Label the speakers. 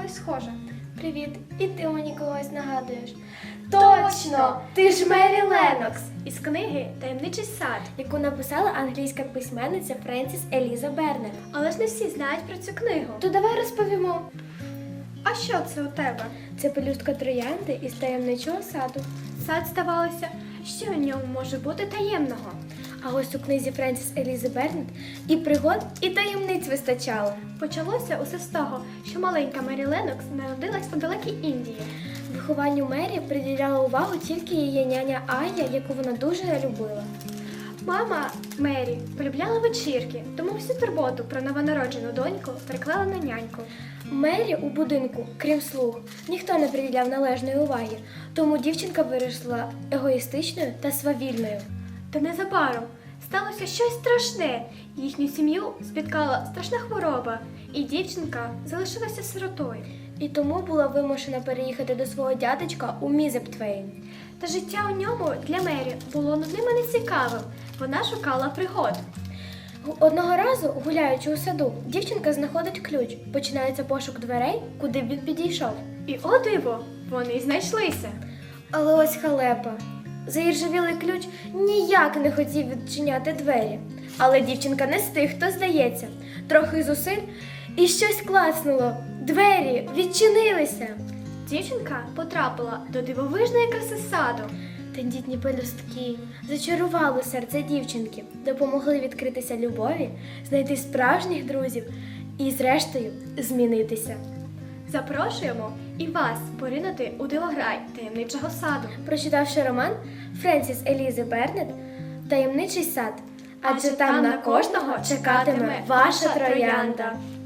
Speaker 1: когось схожа.
Speaker 2: Привіт, і ти мені когось нагадуєш. Точно! Ти ж Мері Леннокс,
Speaker 1: Із книги «Таємничий сад».
Speaker 2: яку написала англійська письменниця Френсіс Еліза Бернет.
Speaker 1: Але ж не всі знають про цю книгу.
Speaker 2: То давай розповімо.
Speaker 1: А що це у тебе?
Speaker 2: Це пелюстка троянди із таємничого саду.
Speaker 1: Сад, здавалося, що у ньому може бути таємного.
Speaker 2: А ось у книзі Френсіс Елізи Бернет і пригод, і таємниць вистачало.
Speaker 1: Почалося усе з того, що маленька Мері Леннокс народилась у далекій Індії.
Speaker 2: Вихованню Мері приділяла увагу тільки її няня Ая, яку вона дуже любила.
Speaker 1: Мама Мері полюбляла вечірки, тому всю турботу про новонароджену доньку переклала на няньку.
Speaker 2: Мері у будинку, крім слуг, ніхто не приділяв належної уваги, тому дівчинка виросла егоїстичною та свавільною.
Speaker 1: Та незабаром сталося щось страшне. Їхню сім'ю спіткала страшна хвороба, і дівчинка залишилася сиротою.
Speaker 2: І тому була вимушена переїхати до свого дядечка у Мізептвейн.
Speaker 1: Та життя у ньому для Мері було нудним і нецікавим. Вона шукала пригод.
Speaker 2: Одного разу, гуляючи у саду, дівчинка знаходить ключ. Починається пошук дверей, куди б він підійшов.
Speaker 1: І о диво, вони й знайшлися.
Speaker 2: Але ось халепа. Заіржавілий ключ ніяк не хотів відчиняти двері. Але дівчинка не з тих, хто здається. Трохи зусиль, і щось клацнуло. Двері відчинилися.
Speaker 1: Дівчинка потрапила до дивовижної краси саду.
Speaker 2: Тендітні пелюстки зачарували серце дівчинки, допомогли відкритися любові, знайти справжніх друзів і, зрештою, змінитися.
Speaker 1: Запрошуємо і вас поринути у дивограй таємничого саду.
Speaker 2: Прочитавши роман Френсіс Елізи Бернет «Таємничий сад», адже там на кожного чекатиме ваша троянда.